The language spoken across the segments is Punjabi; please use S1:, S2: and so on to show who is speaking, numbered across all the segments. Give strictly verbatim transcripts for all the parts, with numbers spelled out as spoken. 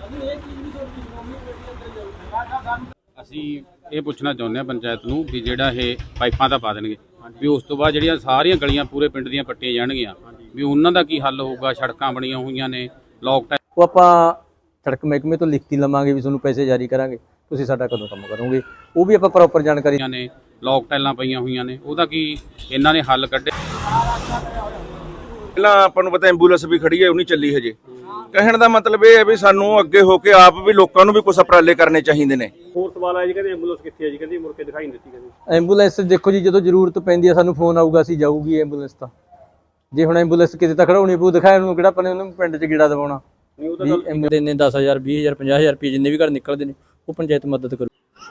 S1: ਅਸੀਂ ਇਹ ਪੁੱਛਣਾ ਚਾਹੁੰਦੇ ਹਾਂ ਪੰਚਾਇਤ ਨੂੰ ਵੀ ਜਿਹੜਾ ਇਹ ਪਾਈਪਾਂ ਤਾਂ ਪਾ ਦੇਣਗੇ ਵੀ ਉਸ ਤੋਂ ਬਾਅਦ ਜਿਹੜੀਆਂ ਸਾਰੀਆਂ ਗਲੀਆਂ ਪੂਰੇ ਪਿੰਡ ਦੀਆਂ ਪੱਟੀਆਂ ਜਾਣਗੀਆਂ ਵੀ ਉਹਨਾਂ ਦਾ ਕੀ ਹੱਲ ਹੋਊਗਾ। ਸੜਕਾਂ ਬਣੀਆਂ ਹੋਈਆਂ ਨੇ, ਲੋਕ
S2: ਉਹ ਆਪਾਂ ਸੜਕ ਮਹਿਕਮੇ ਤੋਂ ਲਿਖਤੀ ਲਵਾਂਗੇ ਵੀ ਤੁਹਾਨੂੰ ਪੈਸੇ ਜਾਰੀ ਕਰਾਂਗੇ, ਤੁਸੀਂ ਸਾਡਾ ਕਦੋਂ ਕੰਮ ਕਰੋਗੇ, ਉਹ ਵੀ ਆਪਾਂ ਪ੍ਰੋਪਰ ਜਾਣਕਾਰੀ
S1: ਨੇ। ਲੋਕ ਟਾਈਲਾਂ ਪਈਆਂ ਹੋਈਆਂ ਨੇ, ਉਹਦਾ ਕੀ ਇਹਨਾਂ ਨੇ ਹੱਲ ਕੱਢੇ।
S3: ਪਹਿਲਾਂ ਆਪਾਂ ਨੂੰ ਪਤਾ ਐਂਬੂਲੈਂਸ ਵੀ ਖੜੀ ਹੈ, ਉਹ ਨਹੀਂ ਚੱਲੀ ਹਜੇ। ਕਹਿਣ ਦਾ ਮਤਲਬ ਇਹ ਹੈ ਵੀ ਸਾਨੂੰ ਅੱਗੇ ਹੋ ਕੇ ਆਪ ਵੀ ਲੋਕਾਂ ਨੂੰ ਵੀ ਕੁਝ ਉਪਰਾਲੇ ਕਰਨੇ ਚਾਹੀਦੇ ਨੇ।
S4: ਹੋਰ ਸਵਾਲ ਆਇਆ ਜੀ, ਕਹਿੰਦੇ ਐਂਬੂਲੈਂਸ ਕਿੱਥੇ ਹੈ ਜੀ, ਕਹਿੰਦੇ ਮੁੜ ਕੇ ਦਿਖਾਈ ਨਹੀਂ ਦਿੱਤੀ। ਕਹਿੰਦੇ
S2: ਐਂਬੂਲੈਂਸ ਦੇਖੋ ਜੀ, ਜਦੋਂ ਜ਼ਰੂਰਤ ਪੈਂਦੀ ਹੈ ਸਾਨੂੰ ਫੋਨ ਆਊਗਾ, ਅਸੀਂ ਜਾਊਗੀ ਐਂਬੂਲੈਂਸ। ਤਾਂ ਜੇ ਹੁਣ ਐਂਬੂਲੈਂਸ ਕਿਤੇ ਤਾਂ ਖੜਾਉਣੀ ਪਊ, ਦਿਖਾਇਆ ਨੂੰ ਕਿਹੜਾ ਆਪਣੇ ਉਹਨੂੰ ਪਿੰਡ 'ਚ ਗੇੜਾ ਦਵਾਉਣਾ। ਐਂਬੂਲੈਂਸ ਨੇ ਦਸ ਹਜ਼ਾਰ ਵੀਹ ਹਜ਼ਾਰ ਪੰਜਾਹ ਹਜ਼ਾਰ ਰੁਪਏ ਜਿੰਨੇ ਵੀ ਘਰ ਨਿਕਲਦੇ ਨੇ ਉਹ ਪੰਚਾਇਤ ਮਦਦ ਕਰੂ।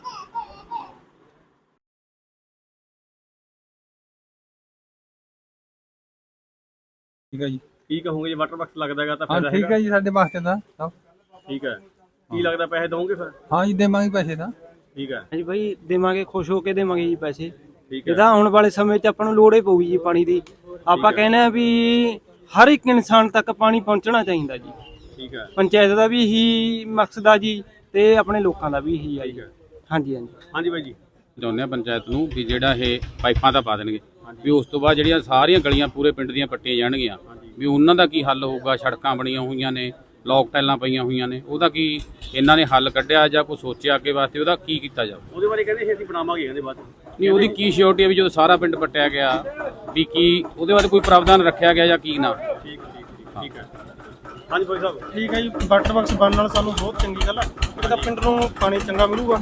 S4: ਠੀਕ ਹੈ ਜੀ, ਕੀ ਕਹੋਗੇ ਜੀ? ਵਾਟਰ ਬਾਕਸ ਲੱਗਦਾ ਹੈਗਾ ਤਾਂ
S5: ਫਾਇਦਾ ਹੈਗਾ। ਠੀਕ ਹੈ ਜੀ, ਸਾਡੇ ਵਾਸਤੇ ਤਾਂ ਸਭ
S4: ਠੀਕ ਹੈ। ਕੀ ਲੱਗਦਾ ਪੈਸੇ ਦਵੋਗੇ ਫਿਰ?
S5: ਹਾਂ ਜੀ, ਦੇਵਾਂਗੇ ਪੈਸੇ ਤਾਂ।
S4: ਠੀਕ ਹੈ
S6: ਜੀ ਭਾਈ, ਦੇਵਾਂਗੇ, ਖੁਸ਼ ਹੋ ਕੇ ਦੇਵਾਂਗੇ ਜੀ ਪੈਸੇ।
S4: ਠੀਕ ਹੈ।
S6: ਇਹਦਾ ਆਉਣ ਵਾਲੇ ਸਮੇਂ 'ਚ ਆਪਾਂ ਨੂੰ ਲੋੜ ਹੀ ਪਊਗੀ ਜੀ ਪਾਣੀ ਦੀ। ਆਪਾਂ ਕਹਿੰਦੇ ਆ ਵੀ ਹਰ ਇੱਕ ਇਨਸਾਨ ਤੱਕ ਪਾਣੀ ਪਹੁੰਚਣਾ ਚਾਹੀਦਾ ਜੀ।
S4: ਠੀਕ ਹੈ।
S6: ਪੰਚਾਇਤ ਦਾ ਵੀ ਇਹੀ ਮਕਸਦ ਆ ਜੀ ਤੇ ਆਪਣੇ ਲੋਕਾਂ ਦਾ ਵੀ ਇਹੀ ਆ ਜੀ। ਹਾਂਜੀ ਹਾਂਜੀ
S4: ਹਾਂਜੀ ਬਾਈ ਜੀ,
S1: ਚਾਹੁੰਦੇ ਹਾਂ ਪੰਚਾਇਤ ਨੂੰ ਵੀ ਜਿਹੜਾ ਇਹ ਪਾਈਪਾਂ ਤਾਂ ਪਾ ਦੇਣਗੇ ਵੀ ਉਸ ਤੋਂ ਬਾਅਦ ਜਿਹੜੀਆਂ ਸਾਰੀਆਂ ਗਲੀਆਂ ਪੂਰੇ ਪਿੰਡ ਦੀਆਂ ਪੱਟੀਆਂ ਜਾਣਗੀਆਂ ਵੀ ਉਹਨਾਂ ਦਾ ਕੀ ਹੱਲ ਹੋਊਗਾ। ਸੜਕਾਂ ਬਣੀਆਂ ਹੋਈਆਂ ਨੇ, ਲੋਕ ਟਾਈਲਾਂ ਪਈਆਂ ਹੋਈਆਂ ਨੇ, ਉਹਦਾ ਕੀ ਇਹਨਾਂ ਨੇ ਹੱਲ ਕੱਢਿਆ ਜਾਂ ਕੋਈ ਸੋਚਿਆ ਅੱਗੇ ਵਾਸਤੇ, ਉਹਦਾ ਕੀ ਕੀਤਾ ਜਾਵੇ।
S4: ਉਹਦੇ ਬਾਰੇ ਕਹਿੰਦੇ ਅਸੀਂ ਬਣਾਵਾਂਗੇ, ਕਹਿੰਦੇ ਬਾਅਦ
S1: ਨਹੀਂ ਉਹਦੀ ਕੀ ਸ਼ਿਓਰਟੀ ਹੈ ਵੀ ਜਦੋਂ ਸਾਰਾ ਪਿੰਡ ਪੱਟਿਆ ਗਿਆ ਵੀ ਕੀ ਉਹਦੇ ਬਾਰੇ ਕੋਈ ਪ੍ਰਾਵਧਾਨ ਰੱਖਿਆ ਗਿਆ ਜਾਂ ਕੀ ਨਾ।
S4: ਠੀਕ ਠੀਕ ਠੀਕ ਹੈ। ਹਾਂਜੀ ਭਾਈ ਸਾਹਿਬ,
S7: ਠੀਕ ਹੈ ਜੀ। ਵਾਟਰ ਬਾਕਸ ਬਣਨ ਨਾਲ ਸਾਨੂੰ ਬਹੁਤ ਚੰਗੀ ਗੱਲ ਆ। ਇੱਕ ਤਾਂ ਪਿੰਡ ਨੂੰ ਪਾਣੀ ਚੰਗਾ ਮਿਲੂਗਾ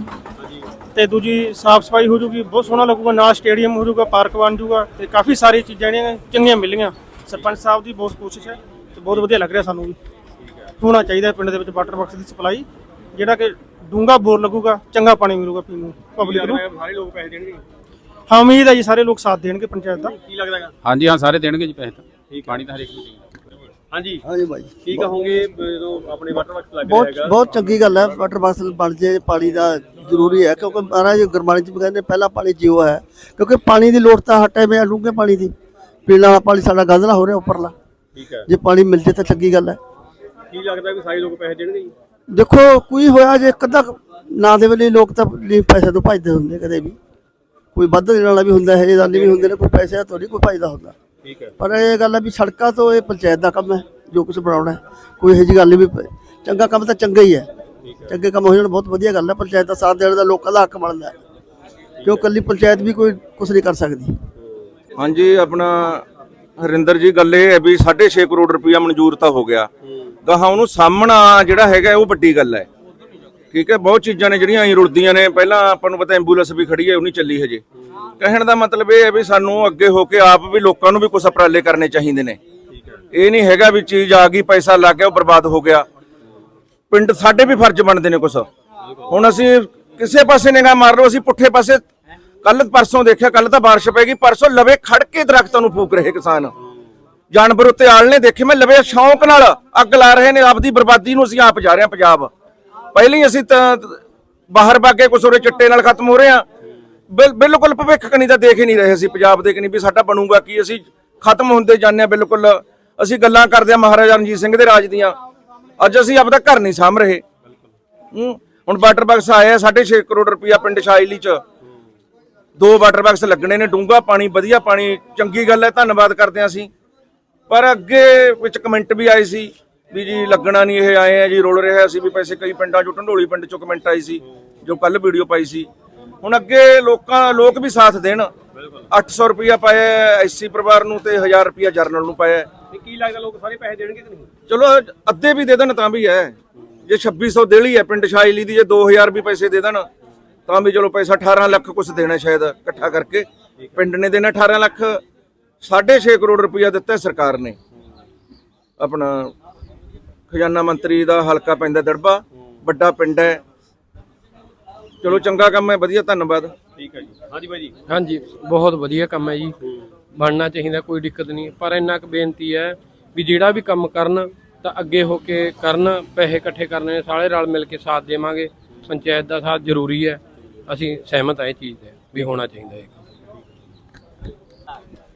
S7: ਤੇ ਦੂਜੀ ਸਾਫ਼ ਸਫਾਈ ਹੋ ਜੂਗੀ, ਬਹੁਤ ਸੋਹਣਾ ਲੱਗੂਗਾ। ਨਾਲ ਸਟੇਡੀਅਮ ਹੋ ਜੂਗਾ, ਪਾਰਕ ਬਣ ਜੂਗਾ ਤੇ ਕਾਫੀ ਸਾਰੀ ਚੀਜ਼ਾਂ ਜਿਹੜੀਆਂ ਚੰਗੀਆਂ ਮਿਲੀਆਂ। ਸਰਪੰਚ ਸਾਹਿਬ ਦੀ ਬਹੁਤ ਕੋਸ਼ਿਸ਼ ਹੈ ਤੇ ਬਹੁਤ ਵਧੀਆ ਲੱਗ ਰਿਹਾ ਸਾਨੂੰ ਵੀ। ਹੋਣਾ ਚਾਹੀਦਾ ਪਿੰਡ ਦੇ ਵਿੱਚ ਵਾਟਰ ਬਾਕਸ ਦੀ ਸਪਲਾਈ, ਜਿਹੜਾ ਕਿ ਡੂੰਘਾ ਬੋਰ ਲੱਗੂਗਾ, ਚੰਗਾ ਪਾਣੀ ਮਿਲੂਗਾ ਪੀਣ ਨੂੰ ਪਬਲਿਕ ਨੂੰ।
S4: ਸਾਰੇ ਲੋਕ ਪੈਸੇ ਦੇਣਗੇ?
S7: ਹਾਂ, ਉਮੀਦ ਹੈ ਜੀ ਸਾਰੇ ਲੋਕ ਸਾਥ ਦੇਣਗੇ ਪੰਚਾਇਤ ਦਾ।
S4: ਕੀ ਲੱਗਦਾ ਹੈਗਾ?
S1: ਹਾਂਜੀ ਹਾਂ, ਸਾਰੇ ਦੇਣਗੇ ਜੀ ਪੈਸੇ ਤਾਂ। ਪਾਣੀ ਤਾਂ ਹਰੇਕ ਨੂੰ ਚਾਹੀਦਾ।
S4: ਹਾਂਜੀ
S8: ਹਾਂਜੀ ਭਾਈ,
S4: ਕੀ ਕਹੋਗੇ ਜਦੋਂ ਆਪਣੇ ਵਾਟਰ ਬਾਕਸ ਲੱਗ ਰਿਹਾ
S8: ਬਹੁਤ
S4: ਹੈਗਾ?
S8: ਬਹੁਤ ਚੰਗੀ ਗੱਲ ਹੈ। ਵਾਟਰ ਬਾਕਸ ਬਣ ਜੇ, ਪਾਣੀ ਦਾ ਜ਼ਰੂਰੀ ਹੈ ਕਿਉਂਕਿ ਮਹਾਰਾਜ ਗੁਰਬਾਣੀ ਚ ਵੀ ਕਹਿੰਦੇ ਪਹਿਲਾ ਪਾਣੀ ਜੀਓ ਹੈ। ਕਿਉਂਕਿ ਪਾਣੀ ਦੀ ਲੋੜ ਤਾਂ ਹਰ ਟਾਈਮ ਹੈ, ਡੂੰਘੇ ਪਾਣੀ ਦੀ। ਪੀਣ ਵਾਲਾ ਪਾਣੀ ਸਾਡਾ ਗੰਧਲਾ ਹੋ ਰਿਹਾ ਉੱਪਰਲਾ।
S4: ਠੀਕ ਹੈ।
S8: ਜੇ ਪਾਣੀ ਮਿਲ ਜੇ ਤਾਂ ਚੰਗੀ ਗੱਲ ਹੈ।
S4: ਕੀ ਲੱਗਦਾ ਵੀ ਸਾਰੇ ਲੋਕ ਪੈਸੇ ਦੇਣਗੇ ਜੀ?
S8: ਦੇਖੋ ਕੋਈ ਹੋਇਆ ਜੇ ਇੱਕ ਅੱਧਾ ਨਾ ਦੇ ਵੇਲੇ ਲੋਕ ਤਾਂ ਪੈਸੇ ਤੋਂ ਭੱਜਦੇ ਹੁੰਦੇ, ਕਦੇ ਵੀ ਕੋਈ ਵੱਧ ਦੇਣ ਵਾਲਾ ਵੀ ਹੁੰਦਾ ਹੈ, ਦਾਨੀ ਵੀ ਹੁੰਦੇ ਨੇ, ਕੋਈ ਪੈਸੇ ਤੋਂ ਨਹੀਂ ਕੋਈ ਭੱਜਦਾ ਹੁੰਦਾ।
S4: ਠੀਕ ਹੈ।
S8: ਪਰ ਇਹ ਗੱਲ ਹੈ ਵੀ ਸੜਕਾਂ ਤੋਂ ਇਹ ਪੰਚਾਇਤ ਦਾ ਕੰਮ ਹੈ, ਜੋ ਕੁਝ ਬਣਾਉਣਾ ਹੈ। ਕੋਈ ਇਹੋ ਜਿਹੀ ਗੱਲ ਨਹੀਂ, ਵੀ ਚੰਗਾ ਕੰਮ ਤਾਂ ਚੰਗਾ ਹੀ ਹੈ। ਚੰਗੇ ਕੰਮ ਹੋ ਜਾਣ ਬਹੁਤ ਵਧੀਆ ਗੱਲ ਹੈ। ਪੰਚਾਇਤ ਦਾ ਸਾਥ ਦੇਣ ਦਾ ਲੋਕਾਂ ਦਾ ਹੱਕ ਬਣਦਾ ਹੈ, ਕਿਉਂ ਇਕੱਲੀ ਪੰਚਾਇਤ ਵੀ ਕੋਈ ਕੁਝ ਨਹੀਂ ਕਰ ਸਕਦੀ।
S3: ਹਾਂਜੀ, ਆਪਣਾ ਹਰਿੰਦਰ ਜੀ, ਗੱਲ ਇਹ ਹੈ ਵੀ ਸਾਢੇ ਛੇ ਕਰੋੜ ਰੁਪਇਆ ਮਨਜ਼ੂਰ ਤਾਂ ਹੋ ਗਿਆ। ਗਾਹਾਂ ਉਹਨੂੰ ਸਾਹਮਣਾ ਜਿਹੜਾ ਹੈਗਾ ਉਹ ਵੱਡੀ ਗੱਲ ਹੈ। ਠੀਕ ਹੈ, ਬਹੁਤ ਚੀਜ਼ਾਂ ਨੇ ਜਿਹੜੀਆਂ ਐਂ ਰੁਲਦੀਆਂ ਨੇ। ਪਹਿਲਾਂ ਆਪਾਂ ਨੂੰ ਪਤਾ ਐਂਬੂਲੈਂਸ ਵੀ ਖੜੀ ਹੈ, ਉਹ ਨਹੀਂ ਚੱਲੀ ਹਜੇ। ਕਹਿਣ ਦਾ ਮਤਲਬ ਇਹ ਹੈ ਵੀ ਸਾਨੂੰ ਅੱਗੇ ਹੋ ਕੇ ਆਪ ਵੀ ਲੋਕਾਂ ਨੂੰ ਵੀ ਕੁਝ ਉਪਰਾਲੇ ਕਰਨੇ ਚਾਹੀਦੇ ਨੇ। ਇਹ ਨਹੀਂ ਹੈਗਾ ਵੀ ਚੀਜ਼ ਆ ਗਈ, ਪੈਸਾ ਲੱਗ ਗਿਆ, ਉਹ ਬਰਬਾਦ ਹੋ ਗਿਆ। ਪਿੰਡ ਸਾਡੇ ਵੀ ਫਰਜ਼ ਬਣਦੇ ਨੇ ਕੁਛ। ਹੁਣ ਅਸੀਂ ਕਿਸੇ ਪਾਸੇ ਨਿਗਾਹ ਮਾਰ ਲਓ, ਅਸੀਂ ਪੁੱਠੇ ਪਾਸੇ ਕੱਲ ਪਰਸੋਂ ਦੇਖਿਆ, ਕੱਲ ਤਾਂ ਬਾਰਿਸ਼ ਪੈ ਗਈ, ਪਰਸੋਂ ਲਵੇ ਖੜ ਕੇ ਦਰਖਤਾਂ ਨੂੰ ਫੂਕ ਰਹੇ ਕਿਸਾਨ। ਜਾਨਵਰ ਉੱਤੇ ਆਲਣੇ ਦੇਖੇ ਮੈਂ, ਲਵੇ ਸ਼ੌਂਕ ਨਾਲ ਅੱਗ ਲਾ ਰਹੇ ਨੇ। ਆਪਦੀ ਬਰਬਾਦੀ ਨੂੰ ਅਸੀਂ ਆਪ ਜਾ ਰਹੇ ਹਾਂ। ਪੰਜਾਬ ਪਹਿਲਾਂ ਹੀ ਅਸੀਂ ਤਾਂ ਬਾਹਰ ਬਾਗੇ ਕੁਛ ਉਰੇ ਚਿੱਟੇ ਨਾਲ ਖਤਮ ਹੋ ਰਹੇ ਹਾਂ। ਬਿਲਕੁਲ ਭਵਿੱਖ ਕਣੀ ਤਾਂ ਦੇਖ ਹੀ ਨਹੀਂ ਰਹੇ ਅਸੀਂ ਪੰਜਾਬ ਦੇ ਕਣੀ ਵੀ ਸਾਡਾ ਬਣੂਗਾ ਕੀ। ਅਸੀਂ ਖਤਮ ਹੁੰਦੇ ਜਾਂਦੇ ਹਾਂ ਬਿਲਕੁਲ। ਅਸੀਂ ਗੱਲਾਂ ਕਰਦੇ ਹਾਂ ਮਹਾਰਾਜਾ ਰਣਜੀਤ ਸਿੰਘ ਦੇ ਰਾਜ ਦੀਆਂ, ਅੱਜ ਅਸੀਂ ਆਪਦਾ ਘਰ ਨਹੀਂ ਸਾਂਭ ਰਹੇ। ਹੁਣ ਵਾਟਰ ਬਾਕਸ ਆਇਆ ਸਾਢੇ ਛੇ ਕਰੋੜ ਰੁਪਇਆ ਪਿੰਡ ਸ਼ਾਇਲੀ ਚ, ਦੋ ਵਾਟਰ ਬਾਕਸ ਲੱਗਣੇ ਨੇ। ਡੂੰਘਾ ਪਾਣੀ, ਵਧੀਆ ਪਾਣੀ, ਚੰਗੀ ਗੱਲ ਹੈ, ਧੰਨਵਾਦ ਕਰਦੇ ਹਾਂ ਅਸੀਂ। ਪਰ ਅੱਗੇ ਵਿੱਚ ਕਮੈਂਟ ਵੀ ਆਏ ਸੀ ਵੀ ਜੀ ਲੱਗਣਾ ਨਹੀਂ, ਇਹ ਆਏ ਆ ਜੀ, ਰੋਲ ਰਿਹਾ ਸੀ ਵੀ ਪੈਸੇ। ਕਈ ਪਿੰਡਾਂ ਚੋਂ, ਢੰਡੋਲੀ ਪਿੰਡ ਚੋਂ ਕਮੈਂਟ ਆਈ ਸੀ ਜੋ ਕੱਲ ਵੀਡੀਓ ਪਾਈ ਸੀ। ਹੁਣ ਅੱਗੇ ਲੋਕਾਂ ਲੋਕ ਵੀ ਸਾਥ ਦੇਣ। ਅੱਠ ਸੌ ਰੁਪਇਆ ਪਾਇਆ ਐਸਸੀ ਪਰਿਵਾਰ ਨੂੰ ਤੇ ਹਜ਼ਾਰ ਰੁਪਇਆ ਜਰਨਲ ਨੂੰ ਪਾਇਆ।
S4: ਕੀ ਲੱਗਦਾ ਲੋਕ ਸਾਰੇ ਪੈਸੇ ਦੇਣਗੇ ਕਿ ਨਹੀਂ?
S3: ਚਲੋ ਅੱਧੇ ਵੀ ਦੇ ਦੇਣ ਤਾਂ ਵੀ ਹੈ। ਜੇ ਛੱਬੀ ਸੌ ਦੇਲੀ ਹੈ ਪਿੰਡ ਸ਼ਾਇਲੀ ਦੀ, ਜੇ ਦੋ ਹਜ਼ਾਰ ਵੀ ਪੈਸੇ ਦੇ ਦੇਣ ਤਾਂ ਵੀ ਚਲੋ ਪੈਸਾ ਅਠਾਰਾਂ ਲੱਖ ਕੁਛ ਦੇਣਾ ਸ਼ਾਇਦ ਇਕੱਠਾ ਕਰਕੇ। ਪਿੰਡ ਨੇ ਦੇਣਾ ਅਠਾਰਾਂ ਲੱਖ। ਸਾਢੇ ਛੇ ਕਰੋੜ ਰੁਪਇਆ ਦਿੱਤਾ ਸਰਕਾਰ ਨੇ। ਆਪਣਾ ਖਜ਼ਾਨਾ ਮੰਤਰੀ ਦਾ ਹਲਕਾ ਪੈਂਦਾ ਦੜਬਾ, ਵੱਡਾ ਪਿੰਡ ਹੈ। ਚਲੋ ਚੰਗਾ ਕੰਮ ਹੈ, ਵਧੀਆ, ਧੰਨਵਾਦ।
S4: ਠੀਕ ਹੈ ਜੀ। ਹਾਂਜੀ ਬਾਈ ਜੀ।
S9: ਹਾਂਜੀ, ਬਹੁਤ ਵਧੀਆ ਕੰਮ ਹੈ ਜੀ, ਬਣਨਾ ਚਾਹੀਦਾ, ਕੋਈ ਦਿੱਕਤ ਨਹੀਂ। ਪਰ ਇੰਨਾ ਕੁ ਬੇਨਤੀ ਹੈ ਵੀ ਜਿਹੜਾ ਵੀ ਕੰਮ ਕਰਨ ਤਾਂ ਅੱਗੇ ਹੋ ਕੇ ਕਰਨ। ਪੈਸੇ ਇਕੱਠੇ ਕਰਨੇ ਨੇ, ਸਾਰੇ ਰਲ ਮਿਲ ਕੇ ਸਾਥ ਦੇਵਾਂਗੇ। ਪੰਚਾਇਤ ਦਾ ਸਾਥ ਜ਼ਰੂਰੀ ਹੈ, ਅਸੀਂ ਸਹਿਮਤ ਹਾਂ ਇਹ ਚੀਜ਼ ਤੇ ਵੀ ਹੋਣਾ ਚਾਹੀਦਾ ਇਹ ਕੰਮ।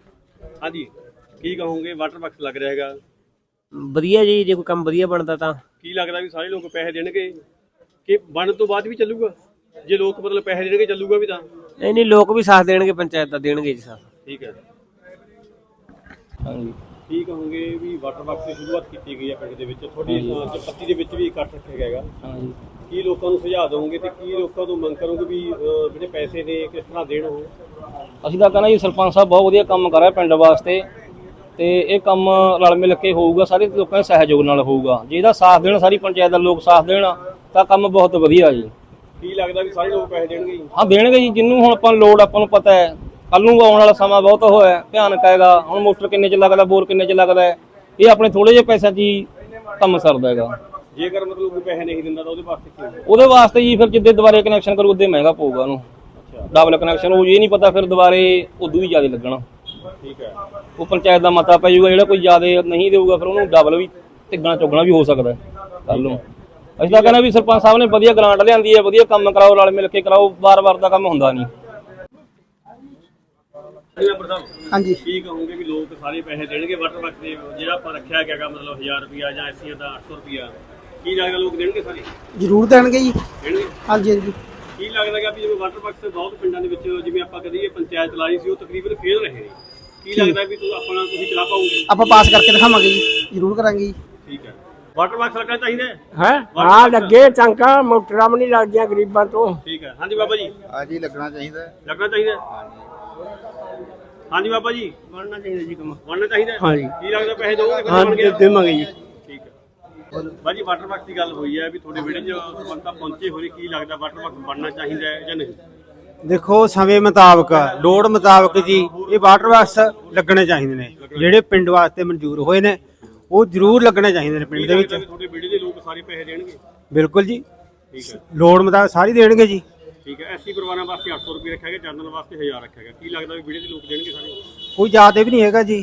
S4: ਹਾਂਜੀ, ਕੀ ਕਹੋਗੇ? ਵਾਟਰ ਬਾਕਸ ਲੱਗ ਰਿਹਾ ਹੈਗਾ?
S6: ਵਧੀਆ ਜੀ, ਜੇ ਕੋਈ ਕੰਮ ਵਧੀਆ ਬਣਦਾ ਤਾਂ
S4: ਕੀ ਲੱਗਦਾ ਵੀ ਸਾਰੇ ਲੋਕ ਪੈਸੇ ਦੇਣਗੇ ਕਿ ਬਣਨ ਤੋਂ ਬਾਅਦ ਵੀ ਚੱਲੂਗਾ? ਜੇ ਲੋਕ ਮਤਲਬ ਪੈਸੇ ਦੇਣਗੇ ਚੱਲੂਗਾ ਵੀ ਤਾਂ?
S6: ਨਹੀਂ ਨਹੀਂ ਲੋਕ ਵੀ ਸਾਥ ਦੇਣਗੇ, ਪੰਚਾਇਤ ਦਾ ਦੇਣਗੇ ਜੀ ਸਾਥ।
S4: ਠੀਕ ਹੈ।
S2: ਹਾਂਜੀ
S4: ਕੀ ਕਹੋਗੇ ਵੀ ਵਾਟਰ ਬਾਕਸ ਦੀ ਸ਼ੁਰੂਆਤ ਕੀਤੀ ਗਈ ਹੈ ਪਿੰਡ ਦੇ ਵਿੱਚ, ਤੁਹਾਡੀ ਪੱਤੀ ਦੇ ਵਿੱਚ ਵੀ ਇਕੱਠ ਰੱਖਿਆ ਗਿਆ ਹੈਗਾ,
S2: ਹਾਂਜੀ
S4: ਕੀ ਲੋਕਾਂ ਨੂੰ ਸੁਝਾਅ ਦਿਓਗੇ ਤੇ ਕੀ ਲੋਕਾਂ ਤੋਂ ਮੰਗ ਕਰੋਗੇ ਵੀ ਅਹ, ਜਿਹੜੇ ਪੈਸੇ ਨੇ ਕਿਸ ਤਰ੍ਹਾਂ ਦੇਣ ਉਹ?
S10: ਅਸੀਂ ਤਾਂ ਕਹਿੰਦਾ ਜੀ ਸਰਪੰਚ ਸਾਹਿਬ ਬਹੁਤ ਵਧੀਆ ਕੰਮ ਕਰ ਰਿਹਾ ਪਿੰਡ ਵਾਸਤੇ, ਤੇ ਇਹ ਕੰਮ ਰਲ ਮਿਲ ਕੇ ਹੋਊਗਾ, ਸਾਰੇ ਲੋਕਾਂ ਦੇ ਸਹਿਯੋਗ ਨਾਲ ਹੋਊਗਾ। ਜੇ ਇਹਦਾ ਸਾਥ ਦੇਣ, ਸਾਰੀ ਪੰਚਾਇਤ ਦਾ ਲੋਕ ਸਾਥ ਦੇਣ ਤਾਂ ਕੰਮ ਬਹੁਤ ਵਧੀਆ ਜੀ।
S4: ਕੀ ਲੱਗਦਾ ਵੀ ਸਾਰੇ ਲੋਕ ਪੈਸੇ ਦੇਣਗੇ ਜੀ?
S10: ਹਾਂ ਦੇਣਗੇ ਜੀ, ਜਿੰਨੂੰ ਹੁਣ ਆਪਾਂ ਨੂੰ ਲੋੜ, ਆਪਾਂ ਨੂੰ ਪਤਾ ਹੈ ਕੱਲ ਨੂੰ ਆਉਣ ਵਾਲਾ ਸਮਾਂ ਬਹੁਤ ਹੋਇਆ ਭਿਆਨਕ ਹੈਗਾ। ਹੁਣ ਮੋਟਰ ਕਿੰਨੇ ਚ ਲੱਗਦਾ, ਬੋਰ ਕਿੰਨੇ ਚ ਲੱਗਦਾ ਹੈ, ਇਹ ਆਪਣੇ ਥੋੜੇ ਜਿਹੇ ਪੈਸਿਆਂ 'ਚ ਹੀ ਕੰਮ ਸਰਦਾ ਹੈਗਾ।
S4: ਜੇਕਰ ਮਤਲਬ ਕੋਈ ਪੈਸੇ ਨਹੀਂ ਦਿੰਦਾ ਤਾਂ ਉਹਦੇ ਵਾਸਤੇ ਕੀ ਹੋਊਗਾ?
S10: ਉਹਦੇ ਵਾਸਤੇ ਜੀ ਫਿਰ ਜਿੱਦੇ ਦੁਬਾਰੇ ਕਨੈਕਸ਼ਨ ਕਰੂ ਉਦੋਂ ਮਹਿੰਗਾ ਪਊਗਾ ਉਹਨੂੰ। ਡਬਲ ਕਨੈਕਸ਼ਨ ਉਹ ਇਹ ਨਹੀਂ ਪਤਾ ਫਿਰ ਦੁਬਾਰੇ ਉਦੋਂ ਵੀ ਜ਼ਿਆਦਾ ਲੱਗਣਾ।
S4: ਠੀਕ ਹੈ।
S10: ਉਹ ਪੰਚਾਇਤ ਦਾ ਮਤਾ ਪੈ ਜਾਊਗਾ, ਜਿਹੜਾ ਕੋਈ ਜ਼ਿਆਦਾ ਨਹੀਂ ਦੇਊਗਾ ਫਿਰ ਉਹਨੂੰ ਡਬਲ ਵੀ ਤਿੱਗਣਾ ਚੁੱਗਣਾ ਵੀ ਹੋ ਸਕਦਾ ਕੱਲ ਨੂੰ। ਅਸੀਂ ਤਾਂ ਕਹਿੰਦੇ ਵੀ ਸਰਪੰਚ ਸਾਹਿਬ ਨੇ ਵਧੀਆ ਗ੍ਰਾਂਟ ਲਿਆਂਦੀ ਹੈ, ਵਧੀਆ ਕੰਮ ਕਰਾਓ, ਰਲ ਮਿਲ ਕੇ ਕਰਾਓ, ਵਾਰ-ਵਾਰ ਦਾ ਕੰਮ ਹੁੰਦਾ ਨਹੀਂ।
S8: ਹਾਂਜੀ
S4: ਕੀ ਕਹੋਗੇ ਵੀ ਲੋਕ ਸਾਰੇ ਪੈਸੇ ਦੇਣਗੇ ਵਾਟਰ ਬਾਕਸ ਦੇ, ਜਿਹੜਾ ਆਪਾਂ ਰੱਖਿਆ ਗਿਆ ਮਤਲਬ ਹਜ਼ਾਰ ਰੁਪਿਆ ਜਾਂ ਐਸੀਆਂ ਦਾ ਅੱਠ ਸੌ ਰੁਪਿਆ, ਕੀ ਲੱਗਦਾ ਲੋਕ ਦੇਣਗੇ ਸਾਰੇ?
S8: ਜ਼ਰੂਰ ਦੇਣਗੇ ਜੀ।
S4: ਦੇਣਗੇ?
S8: ਹਾਂਜੀ ਹਾਂਜੀ
S4: ਕੀ ਲੱਗਦਾ ਕਿ ਵੀ ਜਿਵੇਂ ਵਾਟਰ ਬਾਕਸ ਬਹੁਤ ਪਿੰਡਾਂ ਦੇ ਵਿੱਚ ਜਿਵੇਂ ਆਪਾਂ ਕਦੀ ਇਹ ਪੰਚਾਇਤ ਚਲਾਈ ਸੀ ਉਹ ਤਕਰੀਬਨ ਫੇਲ ਰਹੇ ਨੇ, ਕੀ ਲੱਗਦਾ ਵੀ ਤੂੰ ਆਪਣਾ ਤੁਸੀਂ ਚਲਾ ਪਾਓਗੇ?
S8: ਆਪਾਂ ਪਾਸ ਕਰਕੇ ਦਿਖਾਵਾਂਗੇ ਜੀ, ਜ਼ਰੂਰ ਕਰਾਂਗੇ ਜੀ।
S4: ਠੀਕ ਹੈ। ਵਾਟਰ ਬਾਕਸ ਲੱਗਣਾ ਚਾਹੀਦਾ ਹੈ?
S9: ਹੈ ਹਾਂ ਲੱਗੇ ਚੰਗਾ, ਮੋਟਰਾਂ ਵੀ ਨਹੀਂ ਲੱਗਦੀਆਂ ਗਰੀਬਾਂ ਤੋਂ।
S4: ਠੀਕ ਹੈ। ਹਾਂਜੀ ਬਾਬਾ ਜੀ।
S3: ਹਾਂਜੀ ਲੱਗਣਾ ਚਾਹੀਦਾ ਹੈ।
S4: ਲੱਗਣਾ ਚਾਹੀਦਾ ਹੈ। ਹਾਂਜੀ ਬਾਬਾ ਜੀ।
S6: ਬਣਨਾ ਚਾਹੀਦਾ ਜੀ ਕੰਮ।
S4: ਬਣਨਾ ਚਾਹੀਦਾ ਹੈ?
S6: ਹਾਂਜੀ।
S4: ਕੀ ਲੱਗਦਾ ਪੈਸੇ ਦੋਗੇ ਕਿ
S6: ਹਾਂ
S4: ਬਣ ਗਿਆ?
S6: ਦੇਵਾਂਗੇ ਜੀ।
S4: ਠੀਕ ਹੈ। ਬਾਜੀ ਵਾਟਰ ਬਾਕਸ ਦੀ ਗੱਲ ਹੋਈ ਹੈ ਵੀ ਤੁਹਾਡੇ ਵਿਹੜੇ 'ਚ ਬੰਦਾ ਪਹੁੰਚੇ ਹੋਏ, ਕੀ ਲੱਗਦਾ ਵਾਟਰ ਬਾਕਸ ਬਣਨਾ ਚਾਹੀਦਾ ਹੈ ਜਾਂ ਨਹੀਂ?
S11: ਦੇਖੋ ਸਮੇਂ ਮੁਤਾਬਕ, ਲੋੜ ਮੁਤਾਬਕ ਜੀ ਇਹ ਵਾਟਰ ਬਾਕਸ ਲੱਗਣੇ ਚਾਹੀਦੇ ਨੇ, ਜਿਹੜੇ ਪਿੰਡ ਵਾਸਤੇ ਮਨਜ਼ੂਰ ਹੋਏ ਨੇ ਉਹ ਜ਼ਰੂਰ ਲੱਗਣੇ ਚਾਹੀਦੇ ਨੇ ਪਿੰਡ ਦੇ ਵਿੱਚ।
S4: ਤੁਹਾਡੇ ਵਿਹੜੇ ਦੇ ਲੋਕ ਸਾਰੇ ਪੈਸੇ ਦੇਣਗੇ?
S11: ਬਿਲਕੁਲ ਜੀ,
S4: ਠੀਕ ਹੈ।
S11: ਲੋੜ ਮੁਤਾਬਕ ਸਾਰੀ ਦੇਣਗੇ ਜੀ।
S4: ਠੀਕ ਹੈ। ਐਸੀ ਪਰਿਵਾਰਾਂ ਵਾਸਤੇ ਅੱਠ ਸੌ ਰੁਪਏ ਰੱਖਿਆ ਗਿਆ, ਜਨਰਲ ਵਾਸਤੇ ਹਜ਼ਾਰ ਰੱਖਿਆ ਗਿਆ, ਕੀ ਲੱਗਦਾ ਵੀ ਵਿਹੜੇ ਦੇ ਲੋਕ ਦੇਣਗੇ ਸਾਰੇ?
S11: ਕੋਈ ਜ਼ਿਆਦਾ ਵੀ ਨਹੀਂ ਹੈਗਾ ਜੀ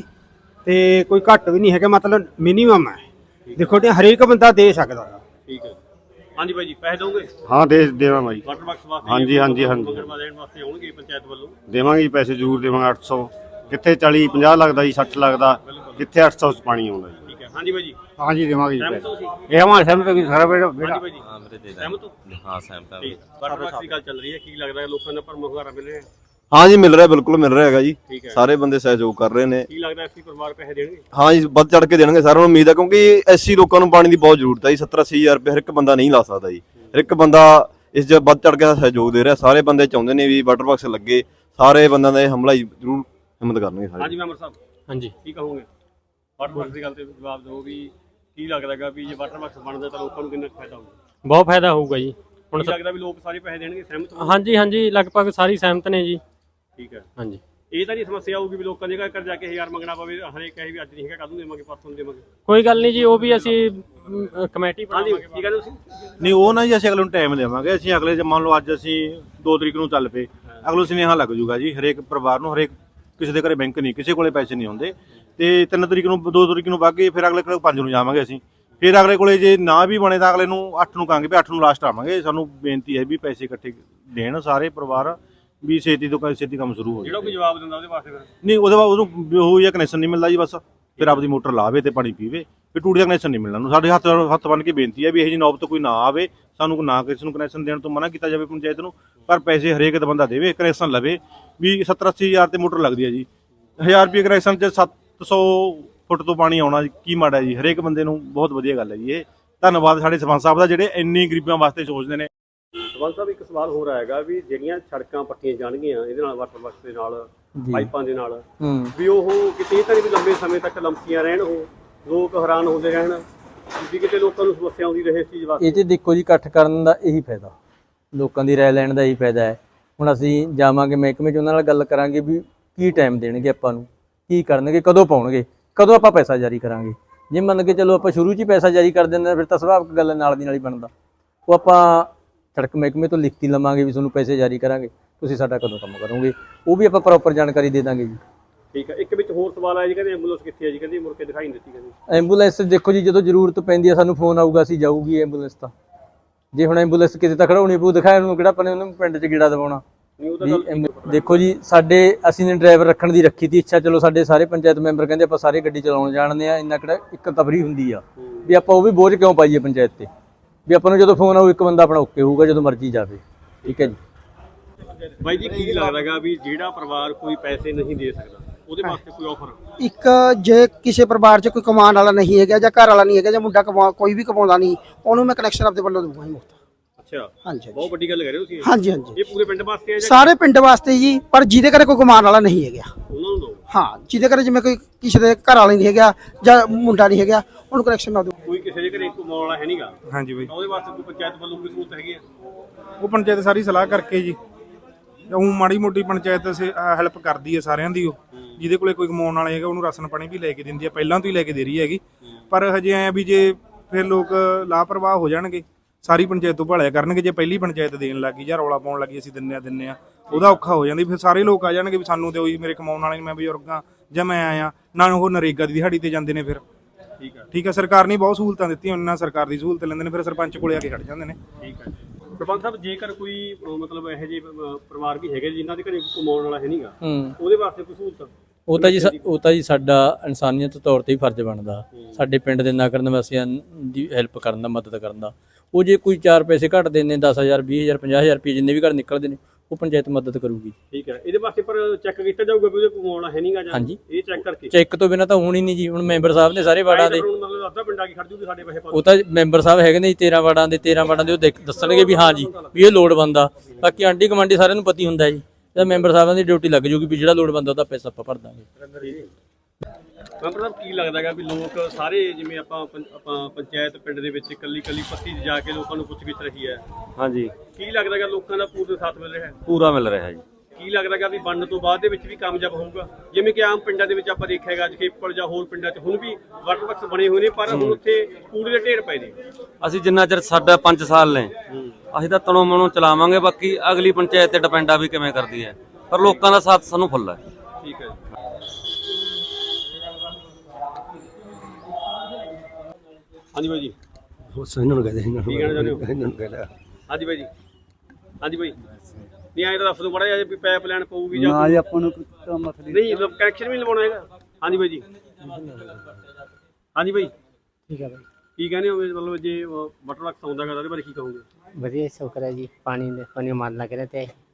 S11: ਤੇ ਕੋਈ ਘੱਟ ਵੀ ਨਹੀਂ ਹੈਗਾ, ਮਤਲਬ ਮਿਨੀਮਮ ਹੈ। ਦੇਖੋ ਜੀ ਹਰੇਕ ਬੰਦਾ ਦੇ ਸਕਦਾ ਹੈ।
S4: ਠੀਕ ਹੈ। ਹਾਂਜੀ ਬਾਈ ਜੀ, ਪੈਸੇ ਦੋਗੇ?
S3: ਹਾਂ ਦੇ ਦੇਵਾਂਗੇ ਜੀ,
S4: ਵਾਟਰ ਬਾਕਸ ਵਾਸਤੇ?
S3: ਹਾਂਜੀ, ਹਾਂਜੀ, ਹਾਂਜੀ।
S4: ਮੰਗਣ ਦੇਣ ਵਾਸਤੇ ਆਉਣਗੇ ਪੰਚਾਇਤ ਵੱਲੋਂ?
S3: ਦੇਵਾਂਗੇ ਜੀ, ਪੈਸੇ ਜ਼ਰੂਰ ਦੇਵਾਂਗੇ। ਅੱਠ ਸੌ ਕਿੱਥੇ ਚਾਲੀ ਪੰਜਾਹ ਲੱਗਦਾ ਜੀ, ਸੱਠ ਲੱਗਦਾ, ਕਿੱਥੇ ਅੱਠ ਸੌ ਪਾਣੀ ਆਉਂਦਾ ਜੀ।
S4: ਠੀਕ ਹੈ। ਹਾਂਜੀ ਬਾਈ ਜੀ।
S3: ਹਾਂਜੀ ਦੇਵਾਂਗੇ ਜੀ
S4: ਸਹਿਮਤ
S3: ਪੈਸੇ।
S4: ਹੋ ਤੁਸੀਂ?
S3: ਇਹ ਹਮਾਰੇ ਸਾਹਮਣੇ ਵੀ ਸਾਰਾ ਬੇੜਾ
S4: ਹਾਂਜੀ ਬਾਈ ਜੀ। ਸਹਿਮਤ ਹੋ?
S12: ਹਾਂ ਸਹਿਮਤ ਹਾਂ।
S4: ਵਾਟਰ ਬਾਕਸ ਦੀ ਗੱਲ ਚੱਲ ਰਹੀ ਹੈ, ਕੀ ਲੱਗਦਾ ਹੈ ਲੋਕਾਂ ਦਾ ਭਰਮ ਹੁੰਗਾਰਾ ਮਿਲ ਰਿਹਾ ਹੈ?
S12: ਹਾਂ ਜੀ ਮਿਲ ਰਿਹਾ, ਬਿਲਕੁਲ ਮਿਲ ਰਿਹਾ ਹੈਗਾ ਜੀ।
S4: ਠੀਕ ਹੈ।
S12: ਸਾਰੇ ਬੰਦੇ ਸਹਿਯੋਗ ਕਰ ਰਹੇ ਨੇ।
S4: ਕੀ ਲੱਗਦਾ ਐਸੀ ਪਰਿਵਾਰ ਪੈਸੇ ਦੇਣਗੇ?
S12: ਹਾਂ ਜੀ ਵੱਧ ਚੜ ਕੇ ਦੇਣਗੇ, ਸਾਰਿਆਂ ਨੂੰ ਉਮੀਦ ਹੈ, ਕਿਉਂਕਿ ਐਸੀ ਲੋਕਾਂ ਨੂੰ ਪਾਣੀ ਦੀ ਬਹੁਤ ਜ਼ਰੂਰਤ ਹੈ ਜੀ। ਸੱਤਰ ਅੱਸੀ ਹਜ਼ਾਰ ਰੁਪਏ ਹਰ ਇੱਕ ਬੰਦਾ ਨਹੀਂ ਲਾ ਸਕਦਾ ਜੀ। ਹਰ ਇੱਕ ਬੰਦਾ ਇਸ 'ਚ ਵੱਧ ਚੜ ਕੇ ਸਹਿਯੋਗ ਦੇ ਰਿਹਾ। ਸਾਰੇ ਬੰਦੇ ਚਾਹੁੰਦੇ ਨੇ ਵੀ ਵਾਟਰ ਬਾਕਸ ਲੱਗੇ, ਸਾਰੇ ਬੰਦਿਆਂ ਦਾ ਇਹ ਹਮਲਾ ਹੀ ਜ਼ਰੂਰ ਹਿੰਮਤ ਕਰਨਗੇ ਸਾਰੇ।
S4: ਹਾਂਜੀ ਮੈਂਬਰ ਸਾਹਿਬ।
S10: ਹਾਂਜੀ
S4: ਕੀ ਕਹੋਗੇ ਵਾਟਰ ਬਾਕਸ ਦੀ ਗੱਲ ਤੇ ਜਵਾਬ ਦਿਓ ਵੀ ਕੀ ਲੱਗਦਾ ਹੈਗਾ ਵੀ ਜੇ ਵਾਟਰ ਬਾਕਸ ਬਣਦਾ ਤਾਂ ਲੋਕਾਂ ਨੂੰ ਕਿੰਨਾ ਫਾਇਦਾ ਹੋਊਗਾ?
S10: ਬਹੁਤ ਫਾਇਦਾ ਹੋਊਗਾ ਜੀ।
S4: ਹੁਣ ਲੱਗਦਾ ਵੀ ਲੋਕ ਸਾਰੇ ਪੈਸੇ ਦੇਣਗੇ, ਸਹਿਮਤ ਹੋ?
S10: ਹਾਂਜੀ ਹਾਂਜੀ ਲਗਭਗ ਸਾਰੀ ਸਹਿਮਤ ਨੇ ਜੀ।
S4: ਠੀਕ ਹੈ।
S10: ਹਾਂਜੀ
S4: ਇਹ ਤਾਂ ਨਹੀਂ ਸਮੱਸਿਆ ਆਊਗੀ ਵੀ ਲੋਕਾਂ ਦੇ ਘਰ ਜਾ ਕੇ ਹਜ਼ਾਰ ਮੰਗਣਾ ਪਵੇ, ਹਰੇਕ ਕਹੇ ਵੀ ਅੱਜ ਨਹੀਂ ਹੈਗਾ ਕੱਲ ਨੂੰ ਦੇਵਾਂਗੇ, ਪਰਸੋਂ ਨੂੰ ਦੇਵਾਂਗੇ?
S10: ਕੋਈ ਗੱਲ ਨਹੀਂ ਜੀ, ਉਹ ਵੀ ਅਸੀਂ ਕਮੇਟੀ
S4: ਹਾਂਜੀ ਕੀ ਕਹਿੰਦੇ ਤੁਸੀਂ?
S11: ਨਹੀਂ ਉਹ ਨਾ ਜੀ ਅਸੀਂ ਅਗਲੇ ਨੂੰ ਟਾਈਮ ਦੇਵਾਂਗੇ। ਅਸੀਂ ਅਗਲੇ ਮੰਨ ਲਓ ਅੱਜ ਅਸੀਂ ਦੋ ਤਰੀਕ ਨੂੰ ਚੱਲ ਪਏ, ਅਗਲੇ ਸੁਨੇਹਾ ਲੱਗ ਜੂਗਾ ਜੀ ਹਰੇਕ ਪਰਿਵਾਰ ਨੂੰ। ਹਰੇਕ ਕਿਸੇ ਦੇ ਘਰੇ ਬੈਂਕ ਨਹੀਂ, ਕਿਸੇ ਕੋਲੇ ਪੈਸੇ ਨਹੀਂ ਹੁੰਦੇ, ਤੇ ਤਿੰਨ ਤਰੀਕ ਨੂੰ ਦੋ ਤਰੀਕ ਨੂੰ ਵਗ ਗਏ, ਫਿਰ ਅਗਲੇ ਕੋਲ ਪੰਜ ਨੂੰ ਜਾਵਾਂਗੇ ਅਸੀਂ। ਫਿਰ ਅਗਲੇ ਕੋਲੇ ਜੇ ਨਾ ਵੀ ਬਣੇ ਤਾਂ ਅਗਲੇ ਨੂੰ ਅੱਠ ਨੂੰ ਕਹਾਂਗੇ ਵੀ ਅੱਠ ਨੂੰ ਲਾਸਟ ਆਵਾਂਗੇ। ਸਾਨੂੰ ਬੇਨਤੀ ਹੈ ਵੀ ਪੈਸੇ ਇਕੱਠੇ ਦੇਣ ਸਾਰੇ ਪਰਿਵਾਰ, ਵੀ ਛੇਤੀ ਤੋਂ ਛੇਤੀ ਕੰਮ ਸ਼ੁਰੂ ਹੋ ਜਾਵੇ।
S4: ਜਿਹੜਾ ਕੋਈ ਜਵਾਬ ਦਿੰਦਾ ਉਹਦੇ ਵਾਸਤੇ ਫਿਰ
S11: ਨਹੀਂ ਉਹਦੇ ਬਾਅਦ ਉਹਨੂੰ ਉਹ ਜਾਂ ਕਨੈਕਸ਼ਨ ਨਹੀਂ ਮਿਲਦਾ ਜੀ, ਬਸ ਫਿਰ ਆਪਦੀ ਮੋਟਰ ਲਾਵੇ ਤੇ ਪਾਣੀ ਪੀਵੇ, ਫਿਰ ਟੂਟੀ ਦਾ ਕਨੈਕਸ਼ਨ ਨਹੀਂ ਮਿਲਣਾ ਨੂੰ। ਸਾਡੇ ਹੱਥ ਹੱਥ ਬੰਨ ਕੇ ਬੇਨਤੀ ਹੈ ਵੀ ਇਹ ਜੀ ਨੌਬਤ ਕੋਈ ਨਾ ਆਵੇ, ਸਾਨੂੰ ਨਾ ਕਿਸੇ ਨੂੰ ਕਨੈਕਸ਼ਨ ਦੇਣ ਤੋਂ ਮਨਾ ਕੀਤਾ ਜਾਵੇ ਪੰਚਾਇਤ ਨੂੰ, ਪਰ ਪੈਸੇ ਹਰੇਕ ਦਾ ਬੰਦਾ ਦੇਵੇ, ਕਨੈਕਸ਼ਨ ਲਵੇ। ਵੀ ਸੱਤਰ ਅੱਸੀ ਹਜ਼ਾਰ ਤੇ ਮੋਟਰ ਲੱਗਦੀ ਹੈ ਜੀ, ਹਜ਼ਾਰ ਰੁਪਏ ਕਨੈਕਸ਼ਨ 'ਚ ਸੱਤ ਸੌ ਫੁੱਟ ਤੋਂ ਪਾਣੀ ਆਉਣਾ ਕੀ ਮਾੜਾ ਜੀ? ਹਰੇਕ ਬੰਦੇ ਨੂੰ ਬਹੁਤ ਵਧੀਆ ਗੱਲ ਹੈ ਜੀ ਇਹ। ਧੰਨਵਾਦ ਸਾਡੇ ਸਰਪੰਚ ਸਾਹਿਬ ਦਾ, ਜਿਹੜੇ ਇੰਨੀ ਗਰੀਬਾਂ ਵਾਸਤੇ ਸੋਚਦੇ ਨੇ।
S4: ਸਰਪੰਚ ਸਾਹਿਬ ਇੱਕ ਸਵਾਲ ਹੋਰ ਆਏਗਾ ਵੀ ਜਿਹੜੀਆਂ ਸੜਕਾਂ ਪੱਟੀਆਂ ਜਾਣਗੀਆਂ ਇਹਦੇ ਨਾਲ ਵਾਟਰ ਬਾਕਸ ਦੇ ਨਾਲ, ਪਾਈਪਾਂ ਦੇ ਨਾਲ, ਵੀ ਉਹ ਕਿਤੇ ਤਾਂ ਨਹੀਂ ਵੀ ਲੰਬੇ ਸਮੇਂ ਤੱਕ ਲੰਮਕੀਆਂ ਰਹਿਣ, ਉਹ ਲੋਕ ਹੈਰਾਨ ਹੁੰਦੇ ਰਹਿਣ, ਵੀ ਕਿਤੇ ਲੋਕਾਂ ਨੂੰ ਸਮੱਸਿਆ ਆਉਂਦੀ ਰਹੇ ਇਸ ਚੀਜ਼ ਵਾਸਤੇ?
S2: ਇਹ 'ਚ ਦੇਖੋ ਜੀ ਇਕੱਠ ਕਰਨ ਦਾ ਇਹੀ ਫਾਇਦਾ, ਲੋਕਾਂ ਦੀ ਰਾਏ ਲੈਣ ਦਾ ਇਹੀ ਫਾਇਦਾ ਹੈ। ਹੁਣ ਅਸੀਂ ਜਾਵਾਂਗੇ ਮਹਿਕਮੇ 'ਚ, ਉਹਨਾਂ ਨਾਲ ਗੱਲ ਕਰਾਂਗੇ ਵੀ ਕੀ ਟਾਈਮ ਦੇਣਗੇ ਆਪਾਂ ਨੂੰ, ਕੀ ਕਰਨਗੇ, ਕਦੋਂ ਪਾਉਣਗੇ, ਕਦੋਂ ਆਪਾਂ ਪੈਸਾ ਜਾਰੀ ਕਰਾਂਗੇ। ਜੇ ਮੰਨ ਕੇ ਚਲੋ ਆਪਾਂ ਸ਼ੁਰੂ 'ਚ ਹੀ ਪੈਸਾ ਜਾਰੀ ਕਰ ਦਿੰਦੇ ਫਿਰ ਤਾਂ ਸੁਭਾਵਿਕ ਗੱਲ ਨਾਲ ਦੀ ਨਾਲ ਹੀ ਬਣਦਾ। ਉਹ ਆਪਾਂ ਸੜਕ ਮਹਿਕਮੇ ਤੋਂ ਲਿਖਤੀ ਲਵਾਂਗੇ ਵੀ ਤੁਹਾਨੂੰ ਪੈਸੇ ਜਾਰੀ ਕਰਾਂਗੇ, ਤੁਸੀਂ ਸਾਡਾ ਕਦੋਂ ਕੰਮ ਕਰੋਗੇ, ਉਹ ਵੀ ਆਪਾਂ ਪ੍ਰੋਪਰ ਜਾਣਕਾਰੀ ਦੇ ਦਾਂਗੇ ਜੀ।
S4: ਠੀਕ ਹੈ। ਇੱਕ ਵਿੱਚ ਹੋਰ ਸਵਾਲ ਆਇਆ ਜੀ, ਕਹਿੰਦੇ ਐਂਬੂਲੈਂਸ ਕਿੱਥੇ ਹੈ ਜੀ? ਕਹਿੰਦੇ ਮੁੜ ਕੇ ਦਿਖਾਈ ਨਹੀਂ ਦਿੱਤੀ। ਕਹਿੰਦੇ
S2: ਐਂਬੂਲੈਂਸ ਦੇਖੋ ਜੀ ਜਦੋਂ ਜ਼ਰੂਰਤ ਪੈਂਦੀ ਹੈ ਸਾਨੂੰ ਫੋਨ ਆਊਗਾ, ਅਸੀਂ ਜਾਊਗੀ ਐਂਬੂਲੈਂਸ ਤਾਂ। ਜੇ ਹੁਣ ਐਂਬੂਲੈਂਸ ਕਿਤੇ ਤਾਂ ਖੜਾਉਣੀ ਪਊ, ਦਿਖਾਇਆ ਉਹਨੂੰ ਕਿਹੜਾ ਆਪਾਂ ਨੇ ਉਹਨੂੰ ਪਿੰਡ 'ਚ ਗੇੜਾ ਦਵਾਉਣਾ, ਵੀ ਐਮ- ਦੇਖੋ ਜੀ, ਸਾਡੇ ਅਸੀਂ ਨੇ ਡਰਾਈਵਰ ਰੱਖਣ ਦੀ ਰੱਖੀ ਤੀ ਇੱਛਾ, ਚਲੋ ਸਾਡੇ ਸਾਰੇ ਪੰਚਾਇਤ ਮੈਂਬਰ ਕਹਿੰਦੇ ਆਪਾਂ ਸਾਰੇ ਗੱਡੀ ਚਲਾਉਣ ਜਾਣਦੇ ਆ, ਇੰਨਾ ਕਿਹੜਾ ਇੱਕ ਤਬਰੀ ਹੁੰਦੀ ਆ ਵੀ ਆਪਾਂ ਉਹ ਵੀ ਬੋਝ ਕਿਉਂ ਪਾਈਏ ਪੰਚਾਇਤ ਤੇ, ਵੀ ਆਪਾਂ ਨੂੰ ਜਦੋਂ ਫੋਨ ਆਊ ਇੱਕ ਬੰਦਾ ਆਪਣਾ ਓਕੇ ਹੋਊਗਾ ਜਦੋਂ ਮਰਜ਼ੀ ਜਾਵੇ। ਠੀਕ ਹੈ ਜੀ।
S4: ਬਾਈ ਜੀ ਕੀ ਲੱਗਦਾਗਾ ਵੀ ਜਿਹੜਾ ਪਰਿਵਾਰ ਕੋਈ ਪੈਸੇ ਨਹੀਂ ਦੇ ਸਕਦਾ ਉਹਦੇ ਵਾਸਤੇ ਕੋਈ ਆਫਰ?
S13: ਇੱਕ ਜੇ ਕਿਸੇ ਪਰਿਵਾਰ 'ਚ ਕੋਈ ਕਮਾਉਣ ਵਾਲਾ ਨਹੀਂ ਹੈਗਾ ਜਾਂ ਘਰ ਵਾਲਾ ਨਹੀਂ ਹੈਗਾ ਜਾਂ ਮੁੰਡਾ ਕਮਾ ਕੋਈ ਵੀ ਕਮਾਉਂਦਾ ਨਹੀਂ, ਉਹਨੂੰ ਮੈਂ ਕਨੈਕਸ਼ਨ ਆਪਦੇ ਵੱਲੋਂ ਦਊਂਗਾ ਜੀ ਮੁਫਤ।
S4: ਅੱਛਾ,
S13: ਹਾਂਜੀ
S4: ਬਹੁਤ ਵੱਡੀ ਗੱਲ ਕਰ ਰਹੇ ਹੋ ਤੁਸੀਂ।
S13: ਹਾਂਜੀ ਹਾਂਜੀ,
S4: ਇਹ ਪੂਰੇ ਪਿੰਡ ਵਾਸਤੇ ਹੈ ਜਾਂ
S13: ਸਾਰੇ ਪਿੰਡ ਵਾਸਤੇ ਜੀ, ਪਰ ਜਿਹਦੇ ਘਰੇ ਕੋਈ ਕਮਾਉਣ ਵਾਲਾ ਨਹੀਂ ਹੈਗਾ
S4: ਉਹਨਾਂ ਨੂੰ ਦਿਓ?
S13: ਹਾਂ, ਜਿਹਦੇ ਘਰੇ ਜਿਵੇਂ ਕੋਈ ਕਿਸੇ ਦੇ ਘਰ ਵਾਲਾ ਨਹੀਂ ਹੈਗਾ ਜਾਂ ਮੁੰਡਾ ਨਹੀਂ ਹੈਗਾ, ਉਹਨੂੰ ਕਨੈਕਸ਼ਨ ਨਾ ਦਿਓ।
S4: ਕੋਈ ਕਿਸੇ ਦੇ ਘਰੇ ਕਮਾਉਣ ਵਾਲਾ ਹੈ ਨਹੀਂਗਾ,
S7: ਹਾਂਜੀ ਬਾਈ,
S4: ਉਹਦੇ ਵਾਸਤੇ ਕੋਈ ਪੰਚਾਇਤ ਵੱਲੋਂ ਕੋਈ ਸਹੂਲਤ ਹੈਗੀ ਆ?
S7: ਉਹ ਪੰਚਾਇਤ ਸਾਰੀ ਸਲਾਹ ਕਰਕੇ ਜੀ, ਉਹ ਮਾੜੀ ਮੋਟੀ ਪੰਚਾਇਤ ਹੈਲਪ ਕਰਦੀ ਹੈ ਸਾਰਿਆਂ ਦੀ। ਉਹ ਜਿਹਦੇ ਕੋਲੇ ਕੋਈ ਕਮਾਉਣ ਵਾਲਾ ਹੈਗਾ ਉਹਨੂੰ ਰਾਸ਼ਨ ਪਾਣੀ ਵੀ ਲੈ ਕੇ ਦਿੰਦੀ ਹੈ, ਪਹਿਲਾਂ ਤੋਂ ਹੀ ਲੈ ਕੇ ਦੇ ਰਹੀ ਹੈਗੀ। ਪਰ ਹਜੇ ਐ ਵੀ ਜੇ ਫਿਰ ਲੋਕ ਲਾਪਰਵਾਹ ਹੋ ਜਾਣਗੇ, ਸਾਰੀ ਪੰਚਾਇਤ ਤੋਂ ਭਾਲਿਆ ਕਰਨਗੇ। ਜੇ ਪਹਿਲੀ ਪੰਚਾਇਤ ਦੇਣ ਲੱਗੀ ਜਾਂ ਰੌਲਾ ਪਾਉਣ ਲੱਗੀ ਅਸੀਂ ਦਿੰਨੇ ਆ ਦਿੰਨੇ ਆ, ਉਹਦਾ ਔਖਾ ਹੋ ਜਾਂਦੀ। ਫਿਰ ਸਾਰੇ ਲੋਕ ਆ ਜਾਣਗੇ ਵੀ ਸਾਨੂੰ ਦਿਓ ਜੀ, ਮੇਰੇ ਕਮਾਉਣ ਵਾਲੇ ਮੈਂ ਬਜ਼ੁਰਗਾਂ ਜਾਂ ਮੈਂ ਆਇਆ ਨਾ, ਉਹ ਨਰੇਗਾ ਦੀ ਦਿਹਾੜੀ ਤੇ ਜਾਂਦੇ ਨੇ। ਫਿਰ
S4: ਠੀਕ ਹੈ
S7: ਠੀਕ ਹੈ, ਸਰਕਾਰ ਨੇ ਬਹੁਤ ਸਹੂਲਤਾਂ ਦਿੱਤੀਆਂ, ਉਹਨਾਂ ਸਰਕਾਰ ਦੀ ਸਹੂਲਤ ਲੈਂਦੇ ਨੇ, ਫਿਰ ਸਰਪੰਚ ਕੋਲੇ ਆ ਕੇ ਖੜ ਜਾਂਦੇ ਨੇ।
S4: ਠੀਕ ਹੈ ਸਰਪੰਚ ਸਾਹਿਬ, ਜੇਕਰ ਕੋਈ ਅਹ, ਮਤਲਬ ਇਹੋ ਜਿਹੇ ਅਹ, ਪਰਿਵਾਰ ਵੀ ਹੈਗੇ ਜਿਨ੍ਹਾਂ ਦੇ ਘਰੇ ਕਮਾਉਣ ਵਾਲਾ ਹੈ ਨਹੀਂਗਾ, ਉਹਦੇ ਵਾਸਤੇ ਕੋਈ ਸਹੂਲਤ?
S2: ਉਹ ਤਾਂ ਜੀ ਸਾ- ਉਹ ਤਾਂ ਜੀ ਸਾਡਾ ਇਨਸਾਨੀਅਤ ਤੌਰ ਤੇ ਹੀ ਫਰਜ਼ ਬਣਦਾ ਸਾਡੇ ਪਿੰਡ ਦੇ ਨਾਗਰਿਕ ਨਿਵਾਸੀਆਂ ਦੀ ਹੈਲਪ ਕਰਨ ਦਾ, ਮਦਦ ਕਰਨ ਦਾ। ਉਹ ਜੇ ਕੋਈ ਚਾਰ ਪੈਸੇ ਘੱਟ ਦਿੰਦੇ, ਦਸ ਹਜ਼ਾਰ ਵੀਹ ਹਜ਼ਾਰ ਪੰਜਾਹ ਹਜ਼ਾਰ ਰੁਪਏ ਜਿੰਨੇ ਵੀ ਘਰ ਨਿਕਲਦੇ ਨੇ, ਉਹ ਪੰਚਾਇਤ ਮਦਦ ਕਰੂਗੀ।
S4: ਠੀਕ ਹੈ, ਇਹਦੇ ਵਾਸਤੇ ਪਰ ਚੈੱਕ ਕੀਤਾ ਜਾਊਗਾ ਵੀ ਉਹਦੇ ਕਮਾਉਣ ਵਾਲਾ ਹੈ ਨਹੀਂਗਾ ਜਾਂ?
S2: ਹਾਂਜੀ,
S4: ਇਹ ਚੈੱਕ ਕਰਕੇ
S2: ਚੈੱਕ ਤੋਂ ਬਿਨਾਂ ਤਾਂ ਹੋਣੀ ਨਹੀਂ ਜੀ। ਹੁਣ ਮੈਂਬਰ ਸਾਹਿਬ ਨੇ ਸਾਰੇ ਵਾਰਡਾਂ ਦੇ,
S4: ਮਤਲਬ ਅੱਧਾ ਪਿੰਡ ਆ ਕੇ ਖੜ ਜੂਗੀ ਸਾਡੇ ਪੈਸੇ ਪਾ
S2: ਉਹ ਤਾਂ ਮੈਂਬਰ ਸਾਹਿਬ ਹੈਗੇ ਨੇ ਜੀ ਤੇਰਾਂ ਵਾਰਡਾਂ ਦੇ, ਤੇਰਾਂ ਵਾਰਡਾਂ ਦੇ ਉਹ ਦੇਖ ਦੱਸਣਗੇ ਵੀ ਹਾਂ ਜੀ ਵੀ ਇਹ ਲੋੜਵੰਦ ਆ। ਬਾਕੀ ਆਂਢੀ ਗੁਆਂਢੀ ਸਾਰਿਆਂ ਨੂੰ ਪਤਾ ਹੀ ਹੁੰਦਾ ਜੀ, ਤਾਂ ਮੈਂਬਰ ਸਾਹਿਬਾਂ ਦੀ ਡਿਊਟੀ ਲੱਗ ਜੂਗੀ ਵੀ ਜਿਹੜਾ ਲੋੜਵੰਦ ਉਹਦਾ ਪੈਸਾ ਆਪਾਂ ਭਰ ਦਾਂਗੇ।
S4: ਮੈਂਬਰ ਸਾਹਿਬ, ਕੀ ਲੱਗਦਾ ਹੈਗਾ ਵੀ ਲੋਕ ਸਾਰੇ ਜਿਵੇਂ ਆਪਾਂ ਪੰ- ਆਪਾਂ ਪੰਚਾਇਤ ਪਿੰਡ ਦੇ ਵਿੱਚ ਇਕੱਲੀ ਇਕੱਲੀ ਪੱਤੀ 'ਚ ਜਾ ਕੇ ਲੋਕਾਂ ਨੂੰ ਪੁੱਛ ਗਿੱਛ ਰਹੀ ਹੈ,
S14: ਹਾਂਜੀ,
S4: ਕੀ ਲੱਗਦਾ ਹੈਗਾ ਲੋਕਾਂ ਦਾ ਪੂਰਾ ਸਾਥ ਮਿਲ ਰਿਹਾ ਹੈ?
S14: ਪੂਰਾ ਮਿਲ ਰਿਹਾ ਜੀ।
S4: ਕੀ ਲੱਗਦਾ ਹੈਗਾ ਵੀ ਬਣਨ ਤੋਂ ਬਾਅਦ ਦੇ ਵਿੱਚ ਵੀ ਕਾਮਯਾਬ ਹੋਊਗਾ? ਜਿਵੇਂ ਕਿ ਆਮ ਪਿੰਡਾਂ ਦੇ ਵਿੱਚ ਆਪਾਂ ਦੇਖਿਆ ਹੈਗਾ ਜਖੇਪਲ ਜਾਂ ਹੋਰ ਪਿੰਡਾਂ 'ਚ ਹੁਣ ਵੀ ਵਾਟਰ ਬਾਕਸ ਬਣੇ ਹੋਏ ਨੇ, ਪਰ ਹੁਣ ਉੱਥੇ ਕੂੜੇ ਦੇ ਢੇਰ ਪਏ ਨੇ।
S14: ਅਸੀਂ ਜਿੰਨਾ ਚਿਰ ਸਾਡਾ ਪੰਜ ਸਾਲ ਨੇ ਅਸੀਂ ਤਾਂ ਤਣੋਂ ਮਨੋਂ ਚਲਾਵਾਂਗੇ, ਬਾਕੀ ਅਗਲੀ ਪੰਚਾਇਤ ਤੇ ਡਿਪੈਂਡ ਆ ਵੀ ਕਿਵੇਂ ਕਰਦੀ ਹੈ, ਪਰ ਲੋਕਾਂ ਦਾ ਸਾਥ ਸਾਨੂੰ ਫੁੱਲ ਹੈ।
S4: ਠੀਕ ਹੈ, ਹਾਂਜੀ ਬਾਈ ਜੀ,
S6: ਇਹਨਾਂ ਨੂੰ ਕਹਦੇ ਇਹਨਾਂ
S4: ਕੀ ਕਹਿਣਾ ਚਾਹੁੰਦੇ ਹੋ?
S6: ਇਹਨਾਂ ਨੂੰ ਕਹਦਾ
S4: ਹਾਂਜੀ ਬਾਈ ਜੀ, ਹਾਂਜੀ ਬਾਈ, ਨਹੀਂ ਆਏ ਤਾਂ ਦੱਸ ਦਿਓ ਬੜਾ ਜਿਹਾ ਵੀ ਪਾਈਪ ਲਾਈਨ ਪਊਗੀ ਜਾਂ
S6: ਨਾ ਜੀ, ਆਪਾਂ ਨੂੰ ਕੋਈ ਮਸਲਾ
S4: ਨਹੀਂ, ਕਨੈਕਸ਼ਨ ਵੀ ਲਵਾਉਣਾ ਹੈਗਾ? ਹਾਂਜੀ ਬਾਈ ਜੀ, ਹਾਂਜੀ ਬਾਈ,
S6: ਠੀਕ ਹੈ ਬਾਈ।
S4: ਕੀ ਕਹਿੰਦੇ ਹੋ? ਮਤਲਬ ਜੇ ਵਾਟਰ ਬਾਕਸ ਆਉਂਦਾ ਹੈਗਾ ਉਹਦੇ ਬਾਰੇ ਕੀ ਕਹੋਗੇ?
S6: ਵਧੀਆ ਸ਼ੁਕਰ ਹੈ ਜੀ, ਪਾਣੀ ਦੇ ਪਾਣੀ ਮਾਰ ਲੱਗ ਰਿਹਾ ਤੇ